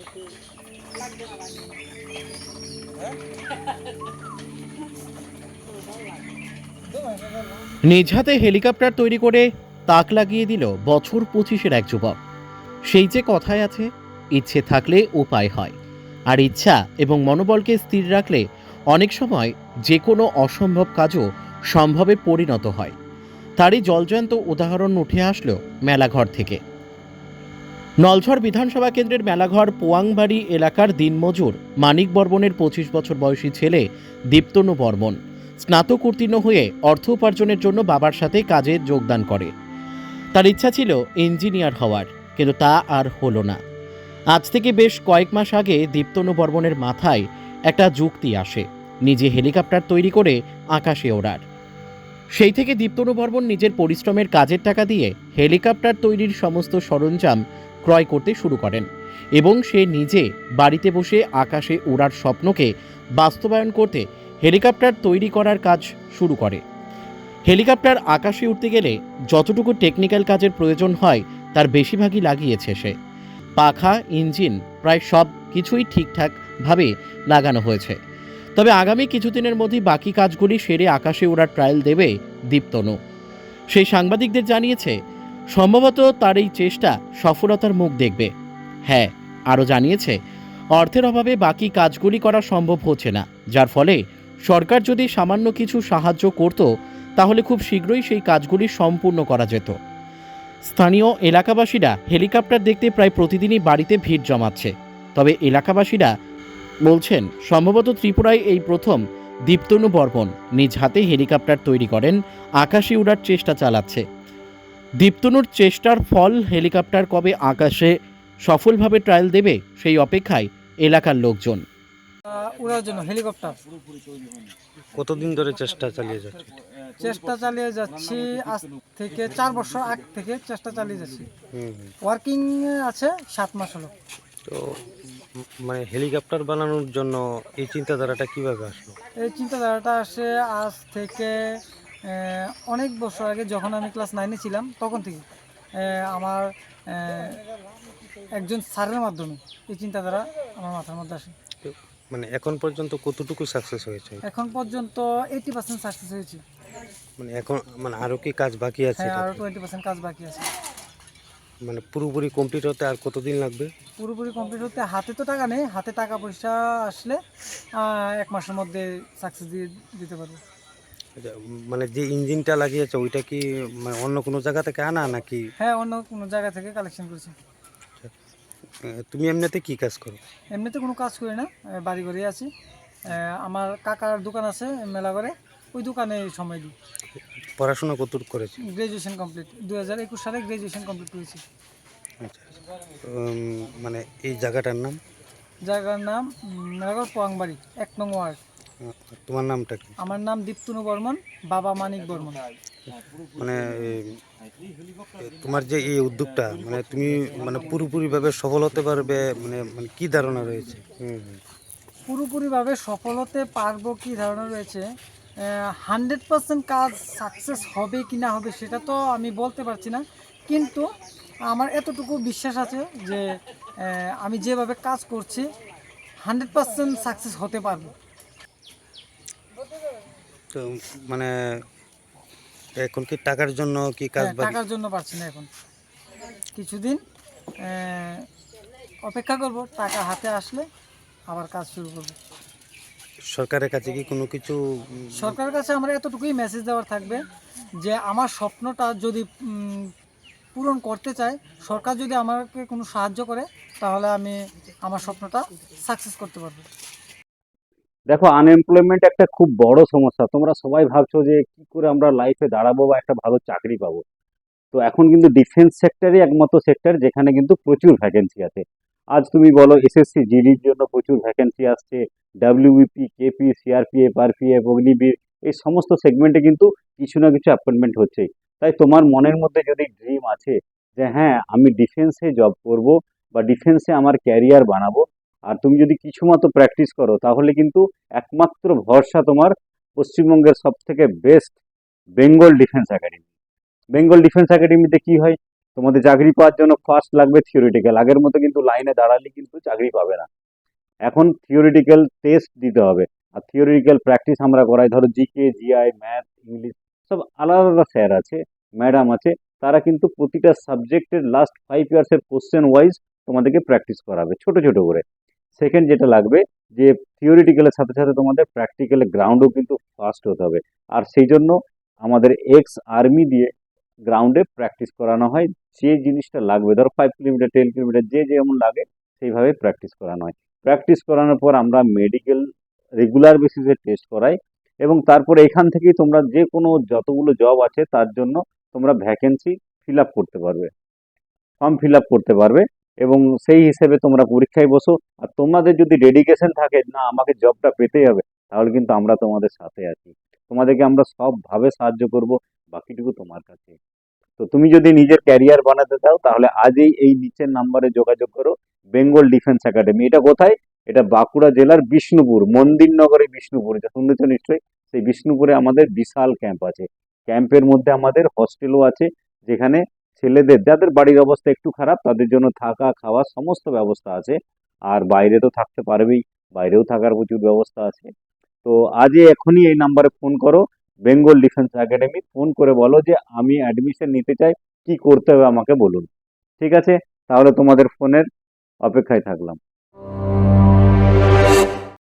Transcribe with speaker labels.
Speaker 1: নিজ হাতে হেলিকপ্টার তৈরি করে তাক লাগিয়ে দিল বছর 25-এর এক যুবক। সেই যে কথায় আছে, ইচ্ছে থাকলে উপায় হয়। আর ইচ্ছা এবং মনোবলকে স্থির রাখলে অনেক সময় যে কোনো অসম্ভব কাজও সম্ভবে পরিণত হয়। তারই জলজ্যান্ত উদাহরণ উঠে আসলো মেলাঘর থেকে। নলঝড় বিধানসভা কেন্দ্রের মেলাঘর পোয়াংবাড়ি এলাকার দিনমজুর মানিক বর্মনের 25 বছর বয়সী ছেলে দীপ্তনু বর্মন স্নাতক উত্তীর্ণ হয়ে অর্থ উপার্জনের জন্য বাবার সাথে কাজে যোগদান করে। তার ইচ্ছা ছিল ইঞ্জিনিয়ার হওয়ার, কিন্তু তা আর হলো না। আজ থেকে বেশ কয়েক মাস আগে দীপ্তনু বর্মনের মাথায় একটা যুক্তি আসে, নিজে হেলিকপ্টার তৈরি করে আকাশে ওড়ার। সেই থেকে দীপ্তনু বর্মন নিজের পরিশ্রমের কাজের টাকা দিয়ে হেলিকপ্টার তৈরির সমস্ত সরঞ্জাম ক্রয় করতে শুরু করেন এবং সে নিজে বাড়িতে বসে আকাশে ওড়ার স্বপ্নকে বাস্তবায়ন করতে হেলিকপ্টার তৈরি করার কাজ শুরু করে। হেলিকপ্টার আকাশে উঠতে গেলে যতটুকু টেকনিক্যাল কাজের প্রয়োজন হয় তার বেশিরভাগই লাগিয়েছে সে। পাখা, ইঞ্জিন প্রায় সব কিছুই ঠিকঠাকভাবে লাগানো হয়েছে। তবে আগামী কিছুদিনের মধ্যেই বাকি কাজগুলি সেরে আকাশে ওড়ার ট্রায়াল দেবে দীপ্তনু। সেই সাংবাদিকদের জানিয়েছে সম্ভবত তার এই চেষ্টা সফলতার মুখ দেখবে। হ্যাঁ, আরও জানিয়েছে অর্থের অভাবে বাকি কাজগুলি করা সম্ভব হচ্ছে না, যার ফলে সরকার যদি সামান্য কিছু সাহায্য করত তাহলে খুব শীঘ্রই সেই কাজগুলি সম্পূর্ণ করা যেত। স্থানীয় এলাকাবাসীরা হেলিকপ্টার দেখতে প্রায় প্রতিদিনই বাড়িতে ভিড় জমাচ্ছে। তবে এলাকাবাসীরা বলছেন সম্ভবত ত্রিপুরায় এই প্রথম দীপ্তনু বর্মন নিজ হাতে হেলিকপ্টার তৈরি করেন, আকাশে উড়ার চেষ্টা চালাচ্ছে। দীপ্তনুর চেষ্টার ফল হেলিকপ্টার কবে আকাশে সফলভাবে ট্রায়াল দেবে সেই অপেক্ষায় এলাকার লোকজন।
Speaker 2: উড়ার জন্য হেলিকপ্টার
Speaker 3: কতদিন ধরে চেষ্টা চালিয়ে যাচ্ছে?
Speaker 2: যাচ্ছি আজ থেকে 4 বছর আগ থেকে চেষ্টা চালিয়ে যাচ্ছি।
Speaker 3: হুম।
Speaker 2: ওয়ার্কিং আছে 7 মাস হলো।
Speaker 3: তো মানে হেলিকপ্টার বানানোর জন্য এই চিন্তাধারাটা কিভাবে আসলো?
Speaker 2: এই চিন্তাধারাটা আসে আজ থেকে অনেক বছর আগে, যখন আমি ক্লাস 9-এ ছিলাম তখন থেকে। আমার একজন স্যারের মাধ্যমে এই চিন্তাধারা আমার মাথার মধ্যে আসে।
Speaker 3: তো মানে এখন পর্যন্ত কতটুকু সাকসেস হয়েছে?
Speaker 2: এখন পর্যন্ত 80% সাকসেস হয়েছে।
Speaker 3: মানে এখন মানে আরো কি কাজ বাকি আছে?
Speaker 2: হ্যাঁ, আরও 20% কাজ বাকি আছে।
Speaker 3: মানে পুরোপুরি কমপ্লিট হতে আর কতদিন লাগবে?
Speaker 2: পুরোপুরি কমপ্লিট হতে হাতে তো টাকা নেই, হাতে টাকা পয়সা আসলে 1 মাসের মধ্যে সাকসেস দিয়ে দিতে পারবো।
Speaker 3: আচ্ছা, মানে যে ইঞ্জিনটা লাগিয়েছে ওইটা কি মানে অন্য কোনো জায়গা থেকে আনা নাকি?
Speaker 2: হ্যাঁ, অন্য কোনো জায়গা থেকে কালেকশন করেছি।
Speaker 3: তুমি এমনিতে কি কাজ করো?
Speaker 2: এমনিতে কোনো কাজ করি না, বাড়ি ঘরেই আছি। আমার কাকার দোকান আছে মেলাঘরে, ওই দোকানে সময় দিই।
Speaker 3: পড়াশোনা কতটুকু করেছি?
Speaker 2: গ্র্যাজুয়েশন কমপ্লিট, 2021 সালে গ্র্যাজুয়েশন কমপ্লিট করেছি।
Speaker 3: আচ্ছা, মানে এই জায়গাটার নাম?
Speaker 2: জায়গার নাম মেলাঘর পোয়াংবাড়ি, 1 নং ওয়ার্ড।
Speaker 3: তোমার নামটা কি?
Speaker 2: আমার নাম দীপ্তনু বর্মন, বাবা মানিক বর্মন।
Speaker 3: মানে তোমার যে এই উদ্যোগটা মানে তুমি মানে পুরোপুরিভাবে সফল হতে পারবে মানে মানে কি ধারণা রয়েছে?
Speaker 2: পুরোপুরিভাবে সফল হতে পারবো কি ধারণা রয়েছে, 100% কাজ সাকসেস হবে কি না হবে সেটা তো আমি বলতে পারছি না, কিন্তু আমার এতটুকু বিশ্বাস আছে যে আমি যেভাবে কাজ করছি 100% সাকসেস হতে পারবো।
Speaker 3: তো মানে এখন কি টাকার জন্য কি কাজ
Speaker 2: হ্যাঁ,
Speaker 3: বাকি?
Speaker 2: টাকার জন্য পারছি না এখন, কিছুদিন অপেক্ষা করব, টাকা হাতে আসলে আবার কাজ শুরু করবো।
Speaker 3: সরকারের কাছে কি কোনো কিছু
Speaker 2: সরকারের কাছে আমার এতটুকুই মেসেজ দেওয়ার থাকবে যে আমার স্বপ্নটা যদি পূরণ করতে চাই, সরকার যদি আমাকে কোনো সাহায্য করে তাহলে আমি আমার স্বপ্নটা সাকসেস করতে পারবো।
Speaker 4: দেখো, আনএমপ্লয়মেন্ট একটা খুব বড় সমস্যা। তোমরা সবাই ভাবছো যে কি করে আমরা লাইফে দাঁড়াবো বা একটা ভালো চাকরি পাবো। তো এখন কিন্তু ডিফেন্স সেক্টরই একমাত্র সেক্টর যেখানে কিন্তু প্রচুর ভ্যাকেন্সি আছে। আজ তুমি বলো এসএসসি জিডির জন্য প্রচুর ভ্যাকেন্সি আসছে, WBP, KP, CRPF, RPF, Agniveer, এই সমস্ত সেগমেন্টে কিন্তু কিছু না কিছু অ্যাপয়েন্টমেন্ট হচ্ছেই। তাই তোমার মনের মধ্যে যদি ড্রিম আছে যে হ্যাঁ আমি ডিফেন্সে জব করব বা ডিফেন্সে আমার ক্যারিয়ার বানাবো, আর তুমি যদি কিছু মতো প্র্যাকটিস করো তাহলে কিন্তু একমাত্র ভরসা তোমার পশ্চিমবঙ্গের সব থেকে best Bengal defence academy. Bengal defence একাডেমিতে কি হয়, তোমাদের চাকরি পাওয়ার জন্য ফার্স্ট লাগবে থিওরিটিক্যাল। আগের মতো কিন্তু লাইনে দাঁড়ালে কিন্তু চাকরি পাবে না, এখন থিওরিটিক্যাল টেস্ট দিতে হবে। আর থিওরিটিক্যাল প্র্যাকটিস আমরা করাই, ধরো জিকে, জিআই, ম্যাথ, ইংলিশ, সব আলাদা আলাদা স্যার আছে, ম্যাডাম আছে, তারা কিন্তু প্রতিটা সাবজেক্টের লাস্ট 5 ইয়ার্সের কোশ্চেন ওয়াইজ তোমাদেরকে প্র্যাকটিস করাবে ছোট ছোট করে। সেকেন্ড যেটা লাগবে, যে থিওরিটিক্যালের সাথে সাথে তোমাদের প্র্যাকটিক্যালের গ্রাউন্ডও কিন্তু ফাস্ট হতে হবে। আর সেই জন্য আমাদের এক্স আর্মি দিয়ে গ্রাউন্ডে প্র্যাকটিস করানো হয়। যে জিনিসটা লাগবে, ধরো 5 কিলোমিটার, 10 কিলোমিটার, যে যেমন লাগে সেইভাবে প্র্যাকটিস করানো হয়। প্র্যাকটিস করানোর পর আমরা মেডিকেল রেগুলার বেসিসে টেস্ট করাই, এবং তারপরে এখান থেকেই তোমরা যে কোনো যতগুলো জব আছে তার জন্য তোমরা ভ্যাকেন্সি ফিল আপ করতে পারবে, ফর্ম ফিল আপ করতে পারবে, এবং সেই হিসেবে তোমরা পরীক্ষায় বসো। আর তোমাদের যদি ডেডিকেশন থাকে না আমাকে জবটা পেতেই হবে, তাহলে কিন্তু আমরা তোমাদের সাথে আছি, তোমাদেরকে আমরা সবভাবে সাহায্য করব, বাকিটুকু তোমার কাছে। তো তুমি যদি নিজের ক্যারিয়ার বানাতে চাও তাহলে আজই এই নিচের নাম্বারে যোগাযোগ করো। বেঙ্গল ডিফেন্স একাডেমি, এটা কোথায়? এটা বাঁকুড়া জেলার বিষ্ণুপুর, মন্দিরনগরে বিষ্ণুপুর, এটা শুনেছ নিশ্চয়ই। সেই বিষ্ণুপুরে আমাদের বিশাল ক্যাম্প আছে। ক্যাম্পের মধ্যে আমাদের হস্টেলও আছে, যেখানে ছেলেদের যাদের বাড়ির অবস্থা একটু খারাপ তাদের জন্য থাকা খাওয়া সমস্ত ব্যবস্থা আছে। আর বাইরে তো থাকতে পারবেই, বাইরেও থাকার প্রচুর ব্যবস্থা আছে। তো আজই এখনই এই নাম্বারে ফোন করো, বেঙ্গল ডিফেন্স একাডেমি, ফোন করে বলো যে আমি অ্যাডমিশন নিতে চাই, কি করতে হবে আমাকে বলুন। ঠিক আছে, তাহলে তোমাদের ফোনের অপেক্ষায় থাকলাম।